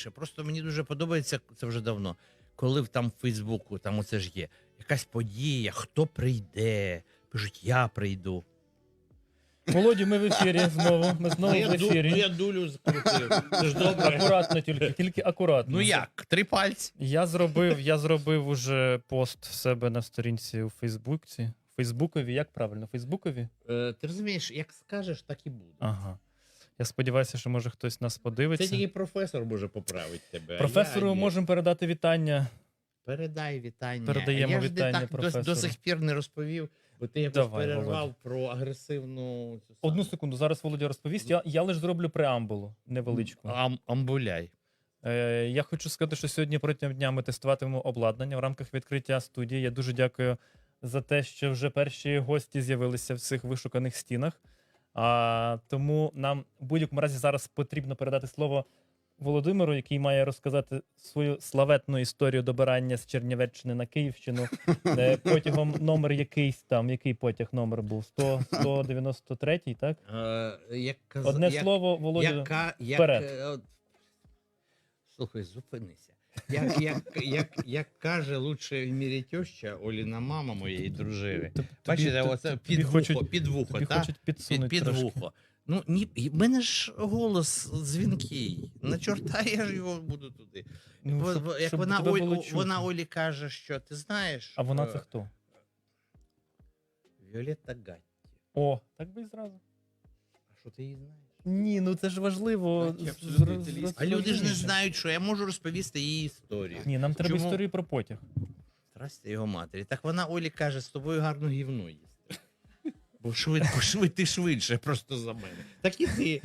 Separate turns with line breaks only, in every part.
більше. Просто мені дуже подобається, це вже давно, коли там в Фейсбуку, там оце ж є, якась подія, хто прийде, пишуть, я прийду.
Володю, ми в ефірі знову. Ми знову в ефірі.
я дулю закрутив. Це ж добре.
Акуратно тільки акуратно.
Ну як, 3 пальці?
Я зробив уже пост в себе на сторінці у Фейсбуці. Фейсбукові, як правильно? Фейсбукові?
Ти розумієш, як скажеш, так і буде.
Ага. Я сподіваюся, що може хтось нас подивиться.
Це тільки професор може поправити тебе.
Професору можемо передати вітання.
Передай вітання.
Передаємо
я ж
вітання
так
професору.
до сих пір не розповів, бо ти якось
Давай,
перервав
Володя.
про агресивну...
Одну секунду, зараз Володя розповість. Я лише зроблю преамбулу невеличку.
Амбуляй.
Я хочу сказати, що сьогодні протягом дня ми тестуватимемо обладнання в рамках відкриття студії. Я дуже дякую за те, що вже перші гості з'явилися в цих вишуканих стінах. Тому нам в будь-якому разі зараз потрібно передати слово Володимиру, який має розказати свою славетну історію добирання з Чернівеччини на Київщину. Потягом номер якийсь там, який потяг номер був? 193-й, так? Одне слово, Володя, вперед.
Слухай, зупинися. Як каже лучше в мірі теща, Оліна мама моєї дружини. Бачите, оце під вухо,
тобі
так?
хочуть підсунути
Під
трошки.
вухо. Ну, в мене ж голос дзвінкий. На чорта я ж його буду туди.
Ну,
Як
щоб
вона,
тебе було чутно.
вона Олі каже, що ти знаєш...
А вона це хто?
Віолетта Гатті.
О, так би і зразу.
А що ти її знаєш?
Ні, ну це ж важливо.
Так, я абсолютно італійський.
А люди ж не
зрозуміти.
знають, що я можу розповісти її історію.
Ні, нам треба
Чому?
історію про потяг.
Здрасте його матері. Так вона Олі каже, з тобою гарно гівно їсти. Бо ти швидше просто за мене. Так і ти.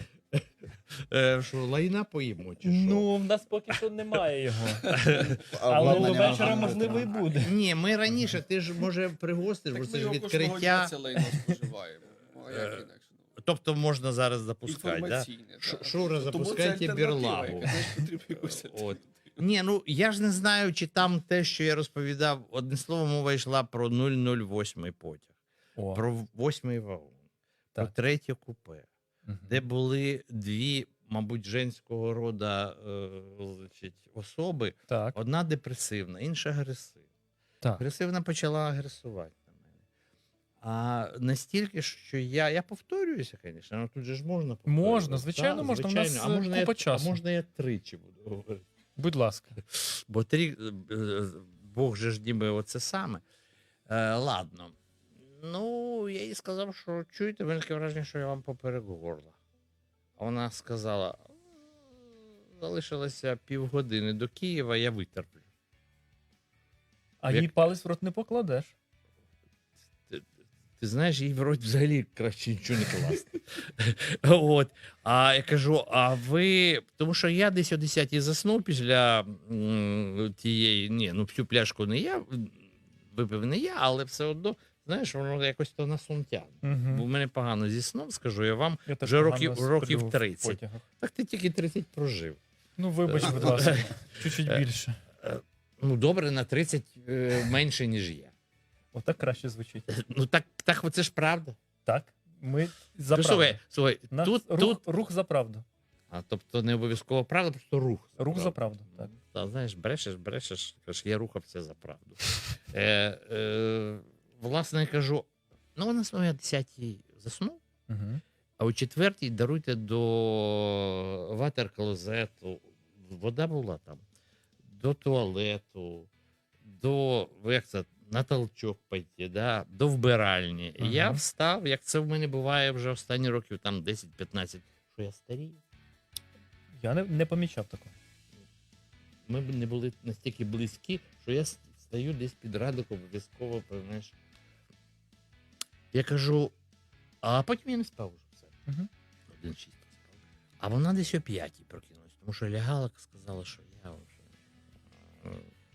Що, лайна поїмо чи що?
Ну, в нас поки що немає його. Але вечора, можливо, і буде.
Ні, ми раніше, ти ж, може, пригостиш, бо
Так
це
ми
ж
його кожного дня
відкриття.
це лайно споживаємо. Ну, а як інакше?
Тобто можна зараз запускати, так?
Інформаційне, так.
Шура,
Тому це
запускайте
альтернатива,
бірлагу.
яка, знаєш, потрібно якусь
От. Ні, ну я ж не знаю, чи там те, що я розповідав, одне слово, мова йшла про 008 потяг,
О,
про 8-й вагон, про
Так.
3-є купе,
мгм.
де були дві, мабуть, женського роду особи.
Так,
Одна депресивна, інша агресивна.
так.
Агресивна почала агресувати на мене. А настільки, що я повторююся, звісно, але тут же ж можна повторювати.
Можна, звичайно,
Так,
можна. У нас
звичайно.
купа часу.
А можна я тричі буду говорити.
Будь ласка.
Бо Бог же ж ніби оце саме. Ладно. Ну, я їй сказав, що чуєте, в мене таке враження, що я вам поперек горла. А вона сказала, залишилося півгодини до Києва, я витерплю.
А
Як-
їй палець в рот не покладеш.
Ти знаєш, їй в рот взагалі краще нічого не класти. От. А я кажу, а ви. Тому що я десь о 10-й заснув після тієї. Ні, ну всю пляшку не я, випив не я, але все одно, знаєш, воно якось то на сон тягне. Бо в мене погано зі сном, скажу я вам,
Я теж
вже
погано
років
сплю в
30.
потягах.
Так ти тільки 30 прожив.
Ну, вибач, будь ласка. Чуть-чуть більше.
Ну, добре, на 30 менше, ніж я.
Отак краще звучить.
Ну, так оце ж правда.
Так, ми за
Ну,
правду.
слухай,
Нас рух за правду.
А тобто не обов'язково правда, просто рух.
Рух за правду, так.
Та, знаєш, брешеш, кажеш, я рухався за правду. Власне, я кажу, ну, у нас я 10-й заснув,
Угу.
а о 4-й даруйте до ватер-клозету, вода була там, до туалету, до, як це, на толчок пойти, да, до вбиральні.
Ага.
Я встав, як це в мене буває вже останні років, там 10-15, що я старію.
Я не помічав такого.
Ми б не були настільки близькі, що я стою десь під радиком, обов'язково, знаєш. Я кажу, а потім я не спав уже все.
Угу.
1:06 спав. А вона десь о 5-й прокинулась, тому що лягала, сказала, що я вже.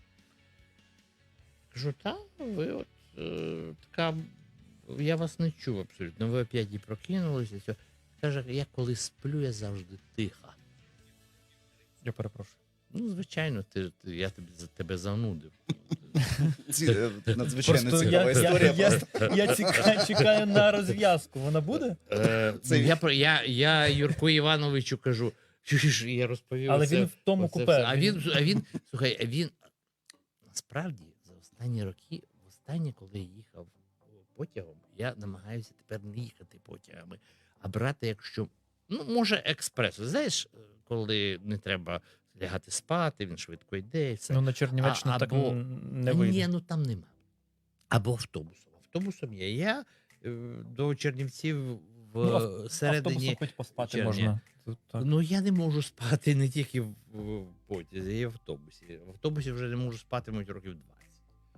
Кажу, та, ви от така, я вас не чув абсолютно. Ви о 5-й прокинулися. Все. Каже, я коли сплю, я завжди тиха.
Я перепрошую.
Ну, звичайно, я тебе занудив.
Надзвичайно
Просто
цікава історія.
я чекаю на розв'язку. Вона буде?
Я Юрку Івановичу кажу, Чуєш, я розповів.
Але
оце-
він в тому
оце
купе.
все. А він насправді за останні роки, востаннє, коли я їхав потягом, я намагаюся тепер не їхати потягами, а брати, якщо, ну, може, експрес. Знаєш, коли не треба лягати спати, він швидко йде і все.
Ну, на Чернівеччину так
або-
не вийде.
Ні, ну там нема. Або автобусом. Автобусом є. Я до Чернівців в
Автобусом
середині.
хоч поспати
червня.
можна. Тут так.
Ну, я не можу спати не тільки в потязі, і в автобусі. В автобусі вже не можу спати, мабуть, років 20.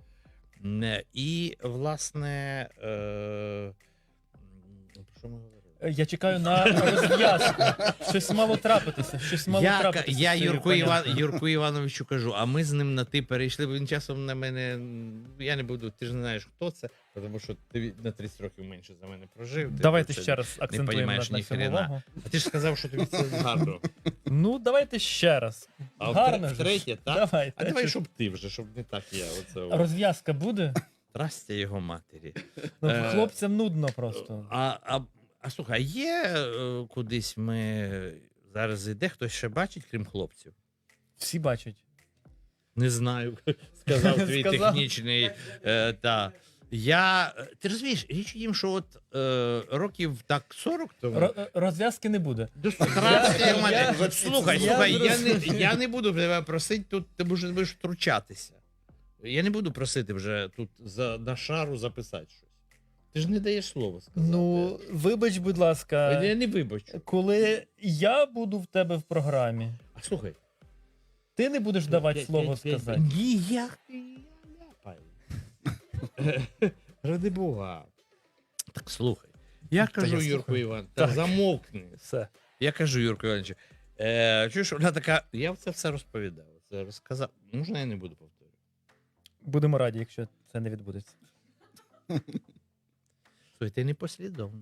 І, власне, про що ми говорили?
Я чекаю на розв'язку. Щось мало трапитися. Щось мало трапитися.
Я
з цією панянкою.
Юрку Івановичу кажу, а ми з ним на ти перейшли, бо він часом на мене. Я не буду, ти ж не знаєш, хто це, тому що ти на 30 років менше за мене прожив. ти
Давайте
це
ще раз акцентуємо
понімаєш
на
ні
цьому
хрена.
увагу.
А ти ж сказав, що тобі це гарно.
Ну, давайте ще раз.
А
Гарно ж.
втретє, так?
Давайте.
А давай, щоб ти вже, щоб не так я. Оце.
Розв'язка буде?
Трастя його матері.
Ну,
Е,
хлопцям нудно просто.
А слухай, є кудись ми зараз іде, хтось ще бачить, крім хлопців?
Всі бачать.
Не знаю, сказав твій
Сказав.
технічний. Ти розумієш, річ у тім, що от років так 40 тому.
Розв'язки не буде.
Слухай,
я
я не буду тебе просити тут, ти будеш втручатися. Я не буду просити вже тут на шару записати щось. Ти ж не даєш слова сказати.
Ну, вибач, будь ласка,
Я не вибачу.
коли я буду в тебе в програмі,
А слухай.
ти не будеш давати слово сказати.
Ні, я ляпаю. Ради Бога. Так слухай. Я кажу,
я
Юрку
слухаю.
Іван, та
Так.
замовкни.
Все.
Я кажу, Юрку Івановичу, чуєш, вона така, я це все розповідав, це розказав. Можна я не буду повторювати?
Будемо раді, якщо це не відбудеться.
Слухай, ти непослідовний.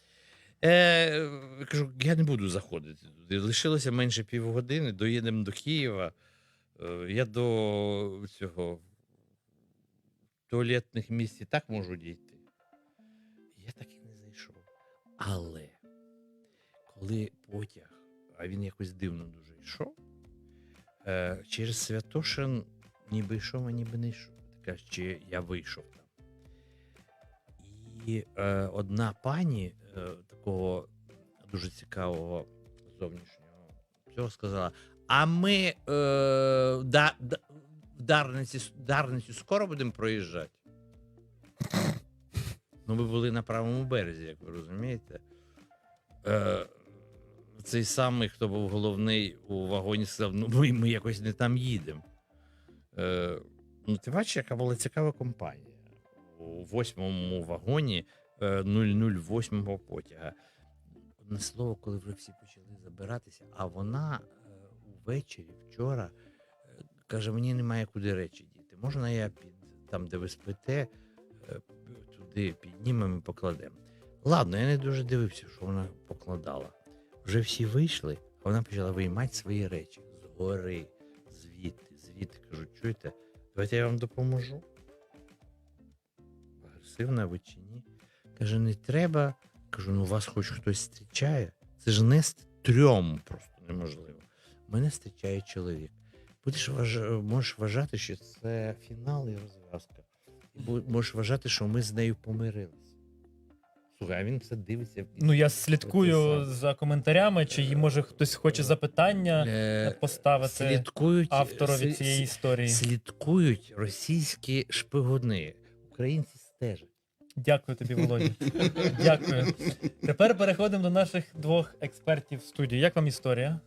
Кажу, я не буду заходити туди. Лишилося менше півгодини, доїдемо до Києва. Я до цього туалетних місць і так можу дійти. Я так і не зайшов. Але коли потяг, а він якось дивно дуже йшов, через Святошин ніби йшов, а ніби не йшов. Така, чи я вийшов там. І одна пані такого дуже цікавого зовнішнього цього сказала: а ми в Дарниці скоро будемо проїжджати. Ну, ми були на правому березі, як ви розумієте. Цей самий, хто був головний у вагоні, сказав: ну ми якось не там їдемо. Ну, ти бачиш, яка була цікава компанія. У 8-му вагоні 008-го потяга. Одне слово, коли вже всі почали забиратися, а вона увечері, вчора, каже, мені немає куди речі діти. Можна я там, де ви спите, туди піднімемо і покладемо. Ладно, я не дуже дивився, що вона покладала. Вже всі вийшли, а вона почала виймати свої речі. Згори, звідти. Кажу, чуєте, давайте я вам допоможу. Агресивна ви чи ні? Каже, не треба. Кажу, ну вас хоч хтось зустрічає. Це ж не трьом просто неможливо. Мене зустрічає чоловік. Можеш вважати, що це фінал і розв'язка. І можеш вважати, що ми з нею помирилися. Слухай, а він це дивиться.
Ну, я слідкую за коментарями, чи може хтось хоче запитання поставити
Слідкують
авторові цієї історії.
Слідкують російські шпигуни. Українці стежать.
Дякую тобі, Володя. Дякую. Тепер переходимо до наших двох експертів в студії. Як вам історія?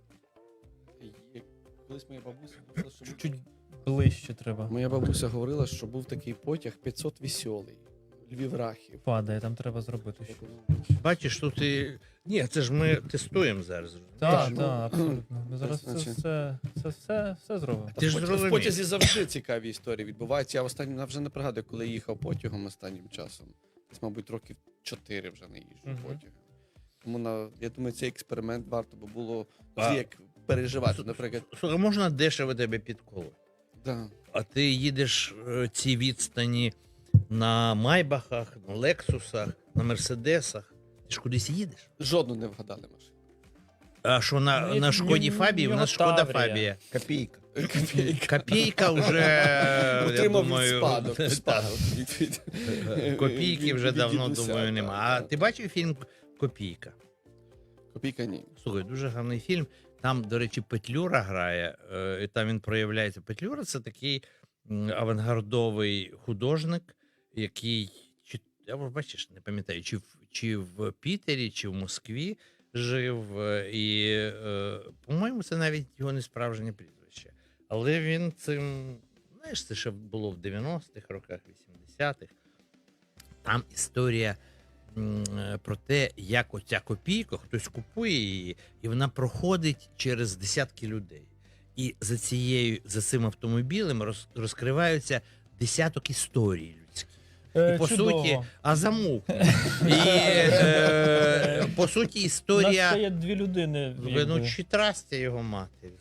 Колись моя бабуся говорила, що
Чуть ближче треба.
моя бабуся говорила, що був такий потяг 500 веселий. Львів-Рахів.
Падає, там треба зробити щось.
Бачиш, тут і. Ні, це ж ми тестуємо зараз.
Так,
ну,
так, абсолютно. Ми зараз
значить.
все зробимо.
Ти ж
В
зрозумів.
потязі завжди цікаві історії відбуваються. Я вже не пригадую, коли їхав потягом останнім часом. Десь, мабуть, років 4 вже не їжджу
Мгм.
потягом. Тому я думаю, цей експеримент варто би було
А-
як переживати. Наприклад,
Слухай, можна дешево тебе підколоти.
да.
А ти їдеш ці відстані на Майбахах, на Лексусах, на Мерседесах. Ти ж кудись їдеш?
Жодну не вгадали машину.
А що
Ну,
на Шкоді
в
Фабії? У
нього
нас Шкода
Таврія.
Фабія.
Копійка.
Копійка вже, я
Отримав від
думаю,
спадок.
так.
спадок від-
Копійки вже
від
давно,
дідуся,
думаю, нема.
так,
А
так.
ти бачив фільм «Копійка»?
Копійка ні.
Слухай, дуже гарний фільм. Там, до речі, Петлюра грає, і там він проявляється. Петлюра — це такий авангардовий художник, який, я вже, бачиш, не пам'ятаю, чи в Пітері, чи в Москві жив. І, по-моєму, це навіть його не справжнє прізвище. Але він цим, знаєш, це ще було в 90-х роках, 80-х. Там історія про те, як оця копійка, хтось купує її, і вона проходить через десятки людей. І за цим автомобілем розкриваються десяток історій людських. І по
Чудово.
суті, замовкни. І по суті,
У нас
історія.
ще є дві людини.
Ну, чи трастя його матері.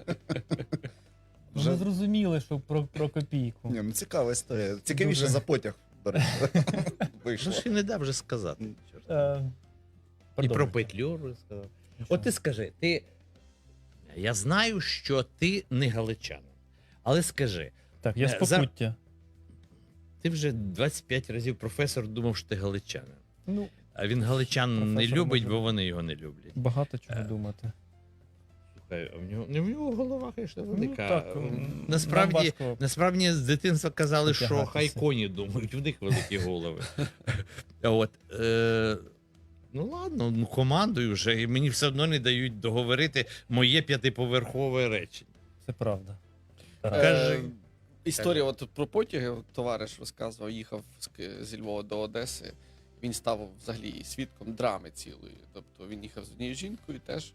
Вже зрозуміли, що про копійку.
Ні, ну цікава історія. Цікавіше
Дуже.
за потяг, до речі,
Ну,
вийшло.
ж і не дав вже сказати. Чорт. І
Продовжуйте.
про Петлюру сказав.
Нічого.
От ти скажи, я знаю, що ти не галичанин, але скажи,
Так, я з Покуття.
ти вже 25 разів професор думав, що ти галичанин.
Ну,
А він галичан не
Професор
любить,
може
бо вони його не люблять.
багато чого думати.
Слухай, а в нього голова, звісно, велика.
так,
насправді,
нам важко
насправді з дитинства казали, що
потягатися.
хай коні думають, в них великі голови. От, ну ладно, ну командую вже, і мені все одно не дають договорити моє 5-поверхове речення.
Це правда.
Кажи.
Історія от про потяги, от товариш розказував, їхав зі Львова до Одеси. Він став взагалі свідком драми цілої. Тобто він їхав з однією жінкою теж.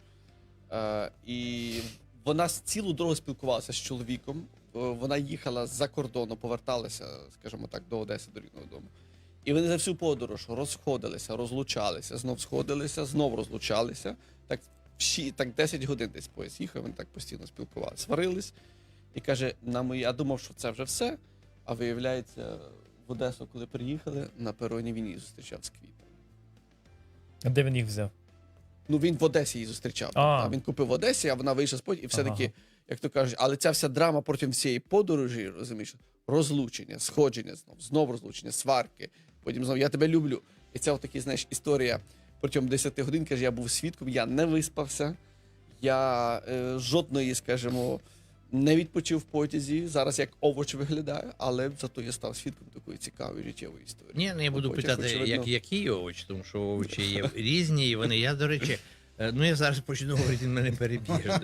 І вона цілу дорогу спілкувалася з чоловіком. Вона їхала з-за кордону, поверталася, скажімо так, до Одеси, до рідного дому. І вони за всю подорож розходилися, розлучалися, знов сходилися, знов розлучалися. Так 10 годин десь поїзд їхав, вони так постійно спілкувалися. Сварились. І каже, я думав, що це вже все. А виявляється, в Одесу, коли приїхали, на пероні він її зустрічав з квітами.
А де він їх взяв?
Ну, він в Одесі її зустрічав.
А.
Він купив в Одесі, а вона вийшла з потягу, і все-таки,
Ага.
як то кажуть, але ця вся драма протягом всієї подорожі, розумієш, розлучення, сходження знов розлучення, сварки, потім знов я тебе люблю. І це отакі, знаєш, історія протягом 10 годин, каже, я був свідком, я не виспався, я жодної, скажімо, не відпочив в потязі, зараз як овоч виглядає, але зато я став свідком такої цікавої життєвої історії.
Ні, не буду
Потяг,
питати,
очевидно.
які овочі, тому що овочі є різні, і вони, я, до речі, ну я зараз почну говорити, він мене переб'є.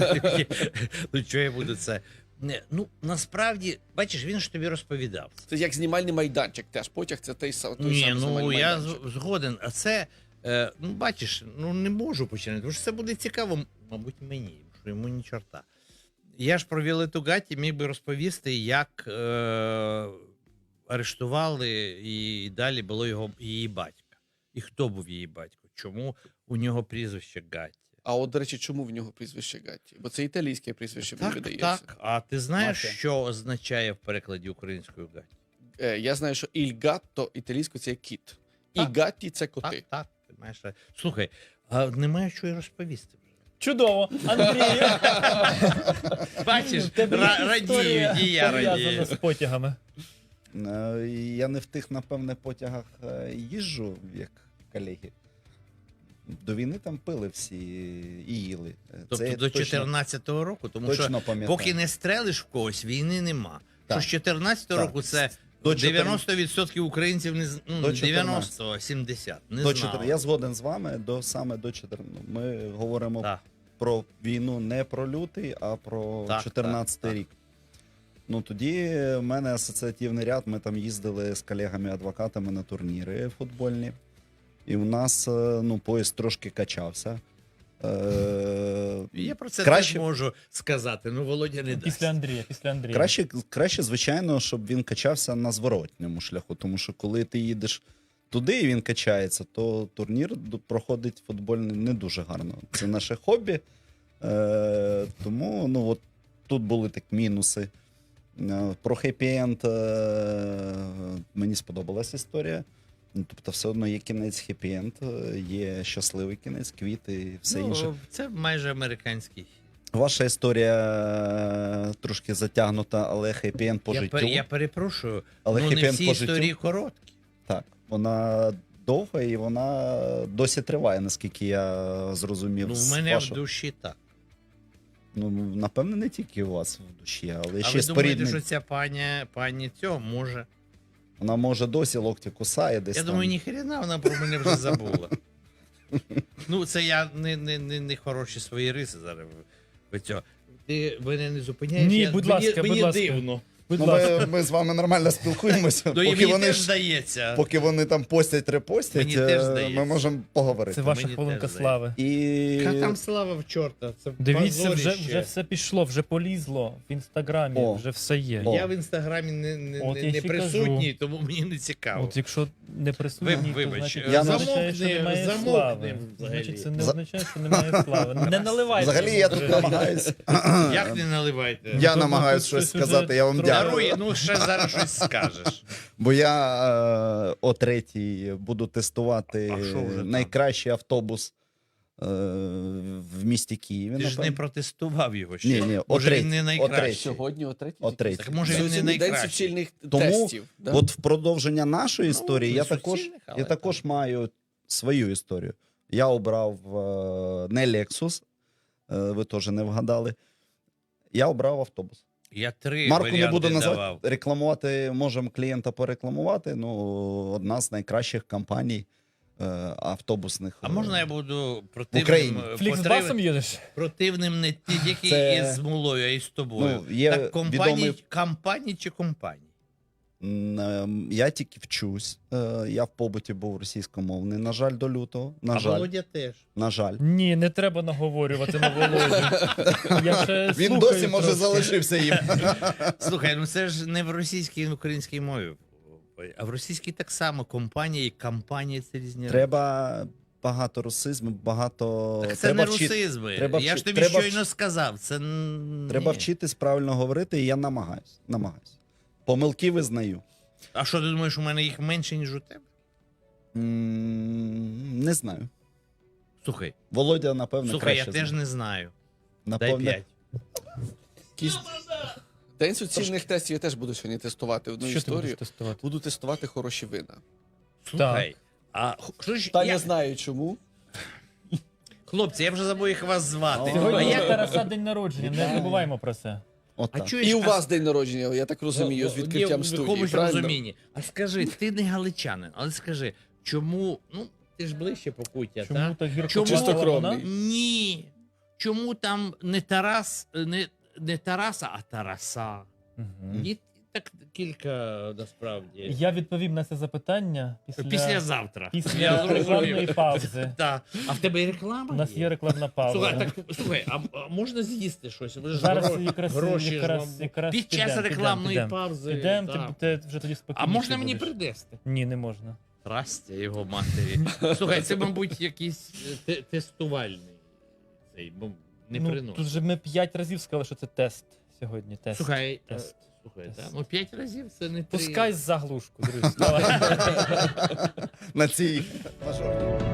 Ну, що я буду це? Ну, насправді, бачиш, він ж тобі розповідав.
Це як знімальний майданчик теж, потяг це той самий
Ні,
знімальний
ну я
майданчик.
згоден, а це, ну бачиш, ну не можу починати, тому що це буде цікаво, мабуть, мені, що йому ні чорта. Я ж про Віолетту Гаті міг би розповісти, як арештували і далі було її батька. І хто був її батько? Чому у нього прізвище Гатті?
А от, до речі, чому в нього прізвище Гатті? Бо це італійське прізвище, мені видається.
Так. А ти знаєш,
Мафія.
що означає в перекладі українською Гатті?
Я знаю, що «il gatto» італійською це кіт. І
Так.
«гатті» це коти.
Так, ти маєш. Слухай, а немає що й розповісти вже.
Чудово! Андрію!
Бачиш,
В тебе є історія,
радіють, і я
пов'язана
радію.
з потягами.
Я не в тих, напевне, потягах їжджу, як колеги. До війни там пили всі і їли.
Тобто
я
до 14-го року, тому
точно
що
пам'ятаю.
поки не стрелиш в когось, війни нема.
Так.
Що з 14-го
Так.
року це
До
90% українців не
До
90-70 не
До
знали.
Я згоден з вами, саме до 14. Ми говоримо
Так.
про війну не про лютий, а про
Так,
14
так.
рік. Ну тоді в мене асоціативний ряд. Ми там їздили з колегами-адвокатами на турніри футбольні. І у нас поїзд трошки качався.
Я про це
краще-
теж можу сказати. Ну, Володя не
Після
дасть.
Андрія.
Краще, звичайно, щоб він качався на зворотньому шляху. Тому що коли ти їдеш туди і він качається, то турнір проходить футбольний не дуже гарно. Це наше хобі. Тому от тут були так мінуси. Про хеппі-енд мені сподобалась історія. Ну, тобто, все одно є кінець хеппі-енд, є щасливий кінець, квіти і все інше.
Це майже американський.
Ваша історія трошки затягнута, але хеппі-енд по життю.
Я перепрошую,
Але
ну не
хеппі-енд
всі
по життю.
історії короткі.
Так, вона довга і вона досі триває, наскільки я зрозумів.
Ну, в
з
мене
вашого.
в душі так.
Ну, напевне, не тільки у вас в душі, але
А
ще
ви думаєте,
споріднені.
що ця пані цього може?
Вона може досі локті кусає десь
Я
там.
думаю, ніхрена вона про мене вже забула. Ну, це я не хороші свої риси зараз. Ви цього. Ти мене не зупиняєш?
Ні, будь ласка, будь ласка.
дивно.
Будь
Ну,
ласка.
ми з вами нормально спілкуємося.
Ну, і
Поки
мені
вони
теж
ж
здається.
поки вони там постять, репостять,
Мені теж здається.
ми можемо поговорити.
Це ваша
Мені
хвилинка
теж
слави.
І
Яка там слава в чорта? Це
Дивіться, вже
позорище.
все пішло, вже полізло в інстаграмі,
О.
вже все є.
О.
Я в інстаграмі
От я
не
ще
присутній,
кажу.
тому мені не цікаво.
От якщо не присутній, то
Вибач,
значить
я
це означає, що немає
замовкни
слави.
взагалі.
Значить, це не означає, що немає слави. Не наливайте.
взагалі я тут намагаюсь.
Як не наливайте?
Я
Тут
намагаюсь
щось
щось
уже
сказати, я вам
трохи-
дякую.
Дарує, ну ще зараз щось скажеш.
Бо я о 3-й буду тестувати
А що вже там?
найкращий автобус в місті Києві.
Ти ж не
напевно.
протестував його ще.
Ні, о
Може він
третій,
не
о
найкращий.
третій.
Сьогодні о 3:00?
О 3-й.
Так може він не
Сьогодні день
найкращий.
суцільних
Тому
тестів. Да?
От в продовження нашої історії
не
я також,
суцільних, але
я також маю свою історію. Я обрав не Lexus, ви теж не вгадали. Я обрав автобус.
Я 3
Марку не
варіанти
буду
давав.
називати, рекламувати, можемо клієнта порекламувати. Ну, одна з найкращих компаній автобусних.
А можна я буду
Україні.
противним,
Фліксбасом їдеш?
противним не тільки
Це-
із Мулою, а й з тобою.
Ну, є
Так компанії,
відомий-
компанії чи компанії?
Я тільки вчусь. Я в побуті був російськомовний. На жаль, до лютого. На
А
жаль.
Володя теж.
На жаль.
Ні, не треба наговорювати на Володю. Я ще
Він
слухаю
досі, може,
трошки.
залишився їм.
Слухай, ну це ж не в російській і в українській мові. А в російській так само компанія і компанія це різні речі.
Треба багато русизму, багато.
Так це
треба
не русизми.
треба
Я ж
вчи-
тобі
треба
щойно сказав. Це
Треба
ні.
вчитись правильно говорити, і я намагаюсь. Помилки визнаю.
А що ти думаєш, у мене їх менше, ніж у тебе?
Не знаю.
Слухай,
Володя, напевно,
слухай, я
краще
теж
знає.
не знаю. Дай
Напевно,
5.
Якийсь- День суцільних тестів я теж буду сьогодні тестувати одну
Що ти будеш
історію.
тестувати?
Буду тестувати хороші вина.
Слухай, а що ж,
Та не
як...
знаю чому.
Хлопці, я вже забув, як вас звати.
Сьогодні
А
у
як...
Тараса день народження, не забуваємо про це.
А
отак.
чуєш,
І у вас день народження, я так розумію, з відкриттям
в
студії.
якомусь
Правильно?
розумінні. А скажи, ти не галичанин, але скажи, чому, ну, ти ж ближче Покуття,
Чому
так?
так гірко
Чому?
плавала
Чистокровний.
вона?
Ні. Чому там не Тарас, не Тараса, а Тараса?
Мгм.
І так кілька, насправді.
Я відповім на це запитання
Післязавтра.
після
Я зрозумів.
рекламної паузи.
Так. А в тебе і реклама
У нас є рекламна
Слухай,
пауза.
так, слухай, а можна з'їсти щось? Ви ж
Зараз
гро-
якраз,
гроші ж
якраз,
вам-
якраз
Під час
підем,
рекламної
підем.
паузи.
Підемо,
так.
ти вже тоді спокійніше
А можна мені
будеш.
придести?
Ні, не можна.
Трастя його матері. Слухай, це, мабуть, якийсь тестувальний. Цей, бо не
Ну,
приносить.
тут же ми 5 разів сказали, що це тест сьогодні. Тест.
Слухай,
тест.
слухай,
Тест.
так? Ну 5 разів це не 3.
Пускай заглушку, друзі. Давай.
На цій мажорній.